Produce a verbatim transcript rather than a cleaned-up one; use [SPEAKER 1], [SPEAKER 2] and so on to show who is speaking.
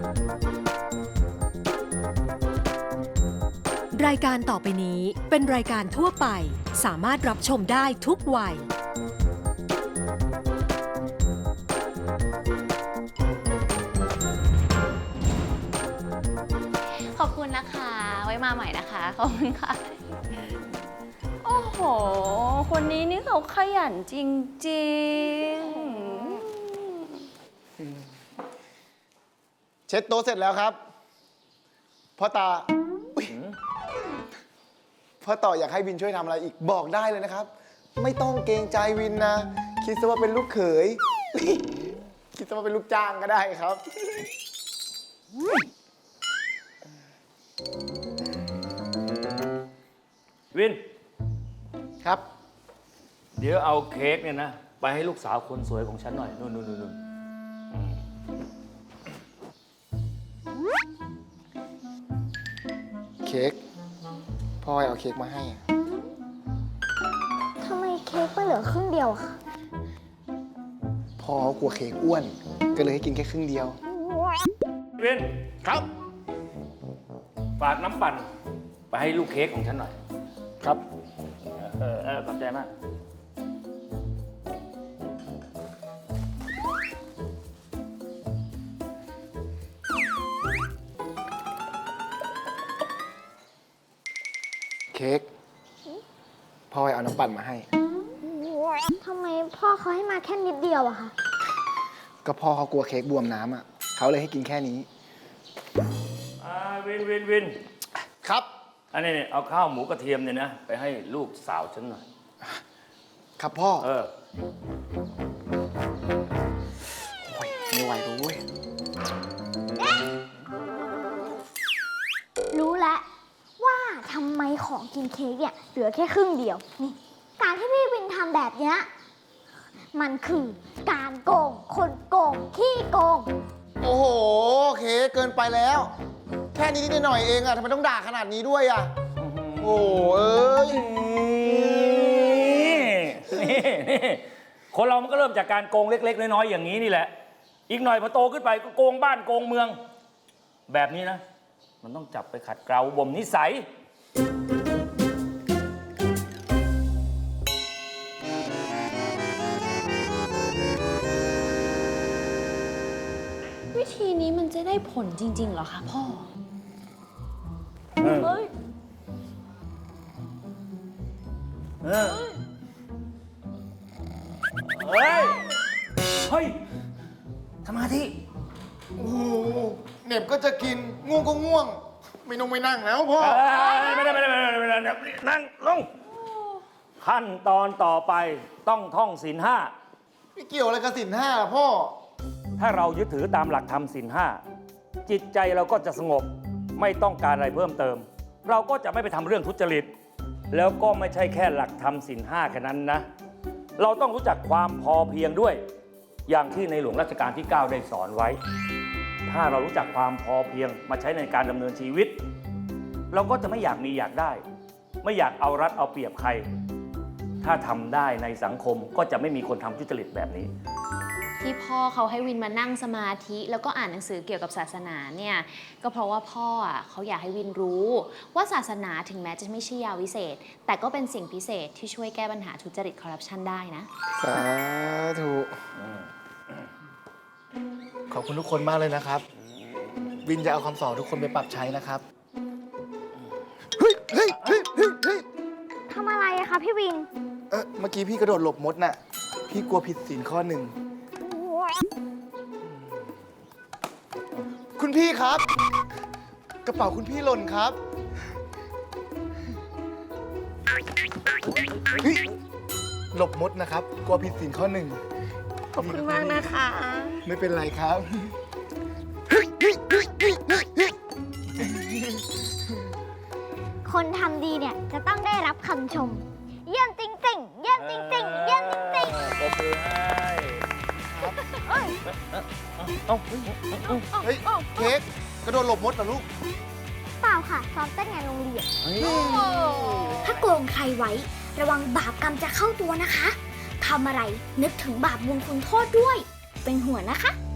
[SPEAKER 1] รายการต่อไปนี้เป็นรายการทั่วไปสามารถรับชมได้ทุกวัย
[SPEAKER 2] ขอบคุณนะคะไว้มาใหม่นะคะขอบคุณค่ะโอ้โหคนนี้นี่เขาขยันจริง
[SPEAKER 3] เช็ดโต๊ะเสร็จแล้วครับพ่อตาพ่อต่ออยากให้วินช่วยทำอะไรอีกบอกได้เลยนะครับ ไม่ต้องเกรงใจวินนะ คิดซะว่าเป็นลูกเขย คิดซะว่าเป็นลูกจ้างก็ได้ครับ
[SPEAKER 4] วิน
[SPEAKER 3] ครับ
[SPEAKER 4] เดี๋ยวเอาเค้กเนี่ยนะ ไปให้ลูกสาวคนสวยของฉันหน่อยนู่นนู่นนู่นอืม
[SPEAKER 3] เค้กพ่อเอาเค้กมาให้อะ
[SPEAKER 5] ทำไมเค้กมันเหลือครึ่งเดียวอะคะ
[SPEAKER 3] พ่อเขากลัวเค้กอ้วน ก็เลยให้กินแค่ครึ่งเดียว
[SPEAKER 4] วิน
[SPEAKER 3] ครับ
[SPEAKER 4] ฝากน้ำปั่นไปให้ลูกเค้กของฉันหน่อย
[SPEAKER 3] ครับ
[SPEAKER 4] เออเออขอบใจมาก
[SPEAKER 3] เค้กพ่อเอาน้ำปั่นมาให้
[SPEAKER 5] ทำไมพ่อเขาให้มาแค่นิดเดียวอะคะ
[SPEAKER 3] ก็พ่อเขากลัวเค้กบวมน้ำอ่ะเขาเลยให้กินแค่นี้
[SPEAKER 4] อ่าวินวินวิน
[SPEAKER 3] ครับ
[SPEAKER 4] อันนี้เนี่ยเอาข้าวหมูกระเทียมเนี่ยนะไปให้ลูกสาวฉันหน่อย
[SPEAKER 3] ครับพ่อ
[SPEAKER 4] เออ
[SPEAKER 3] โอ้ยไม่ไหวแล้วเว้ย
[SPEAKER 5] รู้แล้วว่าทำไมของกินเค้กเนี่ยเหลือแค่ครึ่งเดียวนี่การที่พี่วินทำแบบเนี้ยมันคือการโกงคนโกงขี้โกง
[SPEAKER 3] โอ้โหเค้กเกินไปแล้ว แค่นี้นิดหน่อยเองอะทำไมต้องด่าขนาดนี้ด้วยอะโอ้เอ้ย
[SPEAKER 4] นี่นี่คนเรามันก็เริ่มจากการโกงเล็กๆน้อยๆอย่างนี้นี่แหละ อีกหน่อยพอโตขึ้นไปก็โกงบ้านโกงเมือง แบบนี้นะ มันต้องจับไปขัดเกลาบ่มนิสัย
[SPEAKER 2] วิธีนี้มันจะได้ผลจริงๆเหรอคะพ่อ
[SPEAKER 4] เออ
[SPEAKER 2] เฮ้ย
[SPEAKER 4] เออเฮ้ย เฮ้ยสมาธิ
[SPEAKER 3] โอ้โหเหน็บก็จะกินง่วงก็ง่วง ไม่นงไม่นั่งแล้วพ่อ
[SPEAKER 4] เอ้ยไม่ได้ไม่ได้ไม่ได้ไม่ได้นั่งลง ขั้นตอนต่อไปต้องท่องศีลห้า
[SPEAKER 3] ไม่เกี่ยวอะไรกับสินห้าล่ะพ่อ
[SPEAKER 4] ถ้าเรายึดถือตามหลักธรรมศีลห้าจิตใจเราก็จะสงบไม่ต้องการอะไรเพิ่มเติม เราก็จะไม่ไปทำเรื่องทุจริต แล้วก็ไม่ใช่แค่หลักธรรมศีลห้าแค่นั้นนะ เราต้องรู้จักความพอเพียงด้วย อย่างที่ในหลวงรัชกาลที่ เก้า ได้สอนไว้ ถ้าเรารู้จักความพอเพียงมาใช้ในการดำเนินชีวิต เราก็จะไม่อยากมีอยากได้ ไม่อยากเอารัดเอาเปรียบใคร ถ้าทำได้ในสังคมก็จะไม่มีคนทำทุจริตแบบนี้
[SPEAKER 2] ที่พ่อเขาให้วินมานั่งสมาธิแล้วก็อ่านหนังสือเกี่ยวกับศาสนาเนี่ยก็เพราะว่าพ่ออ่ะเขาอยากให้วินรู้ ว่าศาสนาถึงแม้จะไม่ใช่ยาวิเศษ แต่ก็เป็นสิ่งพิเศษที่ช่วยแก้ปัญหาทุจริตคอร์รัปชันได้นะ
[SPEAKER 3] สาธุขอบคุณทุกคนมากเลยนะครับ วินจะเอาคำสอนทุกคนไปปรับใช้นะครับ เฮ้ยเฮ้ยเฮ้ยเฮ้ยเฮ้ย
[SPEAKER 5] ทำอะไรอะคะพี่วิน
[SPEAKER 3] เออเมื่อกี้พี่กระโดดหลบมดน่ะ พี่กลัวผิดศีลข้อหนึ่ง คุณพี่ครับ กระเป๋าคุณพี่หล่นครับเฮ้ยหลบมดนะครับ กลัวผิดศีลข้อหนึ่ง
[SPEAKER 2] ขอบคุณมากนะคะ
[SPEAKER 3] ไม่เป็นไรครับ
[SPEAKER 5] คนทำดีเนี่ยจะต้องได้รับคำชม เยี่ยมจริงๆ เยี่ยมจริงๆ เยี่ยมจริง
[SPEAKER 4] ปรบมือให้
[SPEAKER 5] ๆเอ้ย
[SPEAKER 4] เอ้า
[SPEAKER 3] เฮ้ย เค้กกระโดดหลบมดเหรอลูก
[SPEAKER 5] เปล่าค่ะซ้อมเต้นงานโรงเรียน ถ้าโกงใครไว้ ระวังบาปกรรมจะเข้าตัวนะคะ ทำอะไรนึกถึงบาปบุญคุณโทษด้วย เป็นห่วงนะคะ